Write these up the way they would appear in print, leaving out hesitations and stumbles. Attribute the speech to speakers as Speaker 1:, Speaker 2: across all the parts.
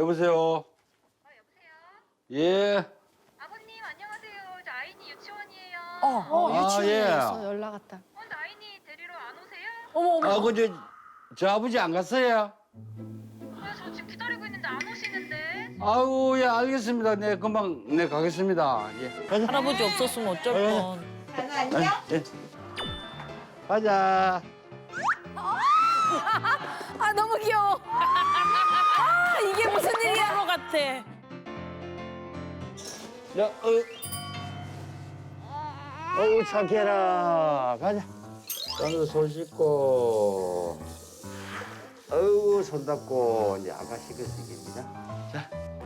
Speaker 1: 여보세요.
Speaker 2: 여보세요?
Speaker 1: 예.
Speaker 2: 아버님 안녕하세요. 저 아이니 유치원이에요.
Speaker 1: 유치원에서
Speaker 3: 연락 왔다.
Speaker 2: 저 아이니 데리러 안 오세요?
Speaker 1: 아, 저 아버지 안 갔어요?
Speaker 2: 저 지금 기다리고 있는데 안 오시는데.
Speaker 1: 아우, 예, 알겠습니다. 네, 금방, 네, 가겠습니다. 예. 가자.
Speaker 4: 할아버지 없었으면 어쩔 뻔.
Speaker 3: 안녕.
Speaker 1: 예. 가자.
Speaker 3: 아 너무 귀여워. 아 이게 무슨 일이야?
Speaker 4: 서로 같아.
Speaker 1: 야, 어우, 착해라. 가자. 오늘 손 씻고. 어우, 손 닦고, 이제 아가 씻을 수 있겠습니다. 자.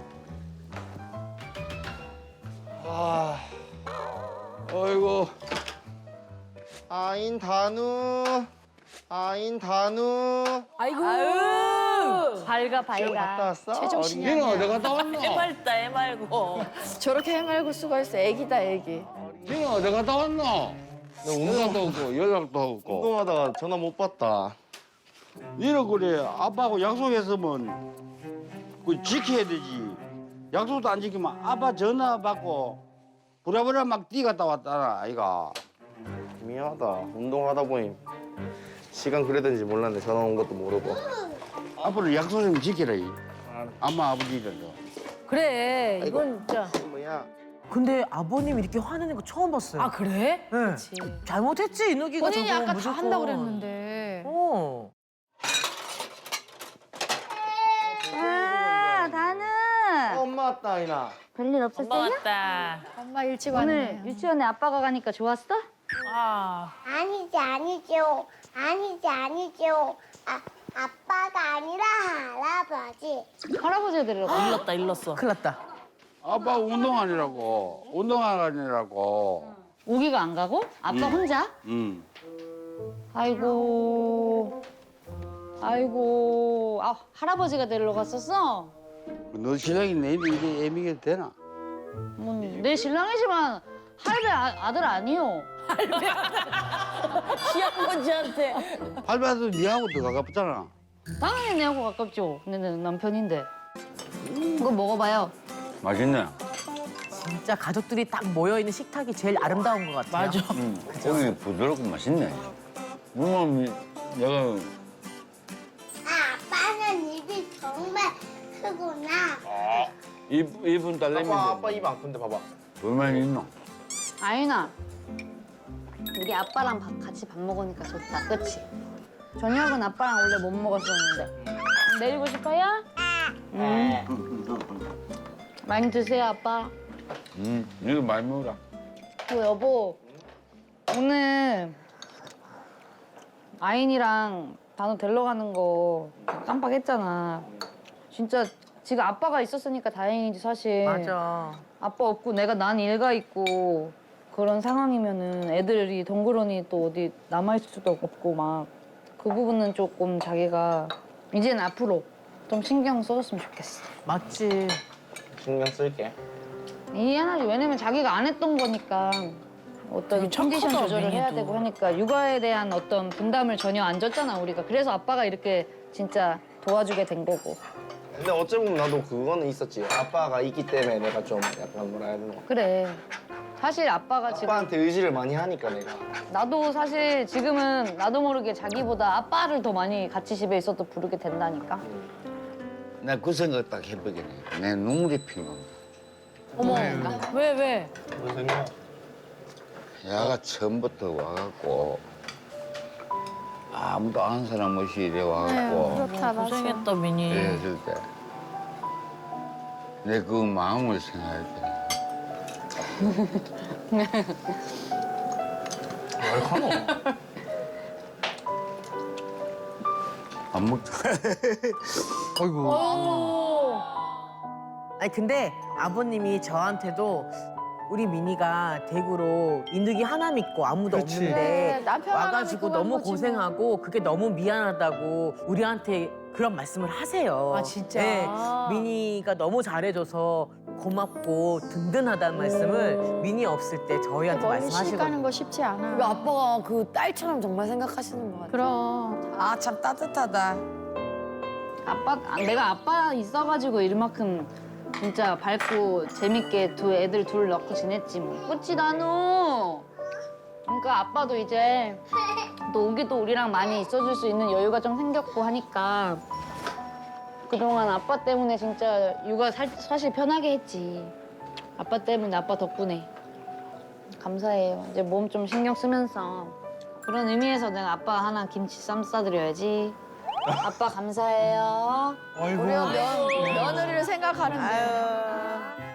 Speaker 1: 어이구.
Speaker 5: 아인 단우.
Speaker 3: 아이고. 밝아
Speaker 5: 시험 갔다 왔어?
Speaker 3: 제정신이
Speaker 1: 니는
Speaker 3: 아니야.
Speaker 1: 어디 갔다 왔노?
Speaker 4: 해맑다 해맑고.
Speaker 3: 저렇게 해말고 수고했어. 애기다 애기.
Speaker 1: 니는 어디 갔다 왔노? 연락도 없고, 연락도 없고.
Speaker 5: 운동하다가 전화 못 받다.
Speaker 1: 니는 그래, 아빠하고 약속했으면 그 지켜야 되지. 약속도 안 지키면 아빠 전화 받고 부랴부랴 막 뛰갔다 왔잖아, 아이가.
Speaker 5: 미안하다. 운동하다 보니 시간 그래든지 몰랐네. 전화 온 것도 모르고.
Speaker 1: 앞으로 약속 좀 지키라, 이. 엄마, 아버지들도.
Speaker 3: 그래 이건 진짜.
Speaker 5: 뭐야?
Speaker 6: 근데 아버님 이렇게 화내는 거 처음 봤어요.
Speaker 3: 아 그래?
Speaker 6: 네. 잘못했지 이누기가
Speaker 3: 본인이
Speaker 6: 저거
Speaker 3: 아까 다
Speaker 6: 무조건.
Speaker 3: 한다고 그랬는데.
Speaker 6: 어.
Speaker 5: 엄마 왔다, 아이나.
Speaker 7: 별일
Speaker 4: 엄마
Speaker 7: 없었어요?
Speaker 4: 왔다.
Speaker 3: 엄마 일찍
Speaker 7: 오늘
Speaker 3: 왔네.
Speaker 7: 유치원에 아빠가 가니까 좋았어?
Speaker 4: 아.
Speaker 8: 아니죠. 아빠가 아니라 할아버지.
Speaker 7: 할아버지 데리러 가.
Speaker 4: 일렀다 일렀어.
Speaker 6: 큰일 났다.
Speaker 1: 아빠 운동하느라고, 운동하느라고.
Speaker 7: 우기가 안 가고? 아빠 혼자? 아이고. 아, 할아버지가 데리러 갔었어?
Speaker 1: 너 신랑이 내일 이래 애미게 되나?
Speaker 7: 내 신랑이지만 할배 아들 아니요.
Speaker 4: 시아버지한테.
Speaker 1: 할배도 니하고 더 가깝잖아.
Speaker 7: 당연히 내하고 가깝죠. 내 남편인데. 이거 먹어봐요.
Speaker 1: 맛있네.
Speaker 6: 진짜 가족들이 딱 모여 있는 식탁이 제일 아름다운 것 같아요.
Speaker 4: 맞아.
Speaker 1: 고기 부드럽고 맛있네. 물론 내가
Speaker 8: 아빠는 입이 정말 크구나.
Speaker 1: 이분 딸내미
Speaker 5: 아빠 입 안 큰데 봐봐.
Speaker 1: 얼마나 있노?
Speaker 7: 아윤아. 우리 아빠랑 같이 밥 먹으니까 좋다. 그치? 저녁은 아빠랑 원래 못 먹었었는데. 내리고 싶어요? 많이 드세요, 아빠.
Speaker 1: 이거 많이 먹어라.
Speaker 7: 여보, 오늘 아인이랑 단호 데리러 가는 거 깜빡했잖아. 진짜 지금 아빠가 있었으니까 다행이지 사실.
Speaker 6: 맞아.
Speaker 7: 아빠 없고 난 일가 있고 그런 상황이면은 애들이 덩그러니 또 어디 남아있을 수도 없고 막 그 부분은 조금 자기가 이제는 앞으로 좀 신경 써줬으면 좋겠어.
Speaker 6: 맞지.
Speaker 5: 신경 쓸게.
Speaker 7: 이해하지. 왜냐면 자기가 안 했던 거니까 어떤
Speaker 4: 되게 착하다,
Speaker 7: 컨디션 조절을 해야
Speaker 4: 민희도.
Speaker 7: 되고 하니까 육아에 대한 어떤 분담을 전혀 안 줬잖아 우리가. 그래서 아빠가 이렇게 진짜 도와주게 된 거고.
Speaker 5: 근데 어찌 보면 나도 그거는 있었지. 아빠가 있기 때문에 내가 좀 약간 뭐라 해야 되나.
Speaker 7: 그래. 사실 아빠가 지금
Speaker 5: 아빠한테 의지를 많이 하니까 내가.
Speaker 7: 나도 사실 지금은 나도 모르게 자기보다 아빠를 더 많이 같이 집에 있어도 부르게 된다니까.
Speaker 1: 나 그 생각 딱 해보겠네. 내 눈물이 피는.
Speaker 7: 어머, 왜?
Speaker 5: 무슨 생각?
Speaker 1: 야가 처음부터 와갖고 아무도 아는 사람 없이 이래 와갖고
Speaker 3: 그렇다 맞아.
Speaker 4: 고생했다 민희.
Speaker 1: 이랬을 때 내 그 마음을 생각할 때
Speaker 5: 얼마나?
Speaker 1: 안 먹자. 아이고.
Speaker 6: 아니 근데 아버님이 저한테도 우리 민희가 대구로 인득이 하나 믿고 아무도
Speaker 5: 그치.
Speaker 6: 없는데
Speaker 3: 네, 남편 하나
Speaker 6: 와가지고
Speaker 3: 믿고 간
Speaker 6: 너무
Speaker 3: 거지 뭐.
Speaker 6: 고생하고 그게 너무 미안하다고 우리한테 그런 말씀을 하세요.
Speaker 3: 아, 진짜?
Speaker 6: 네, 민희가 너무 잘해줘서 고맙고 든든하다는 말씀을 민희 없을 때 저희한테
Speaker 3: 멀리 시집
Speaker 6: 말씀하시거든요.
Speaker 3: 가는 거 쉽지 않아.
Speaker 9: 우리 아빠가 그 딸처럼 정말 생각하시는 것 같아요.
Speaker 3: 그럼.
Speaker 9: 아, 참 따뜻하다.
Speaker 7: 내가 아빠 있어가지고 이만큼 진짜 밝고 재밌게 애들 둘 넣고 지냈지 뭐. 그치 나누? 그러니까 아빠도 이제 또 오기도 우리랑 많이 있어줄 수 있는 여유가 좀 생겼고 하니까 그동안 아빠 때문에 진짜 육아 사실 편하게 했지. 아빠 때문에, 아빠 덕분에. 감사해요. 이제 몸 좀 신경 쓰면서 그런 의미에서 내가 아빠 하나 김치 쌈 싸드려야지. 아빠 감사해요.
Speaker 3: 우리가 며느리를 생각하는데.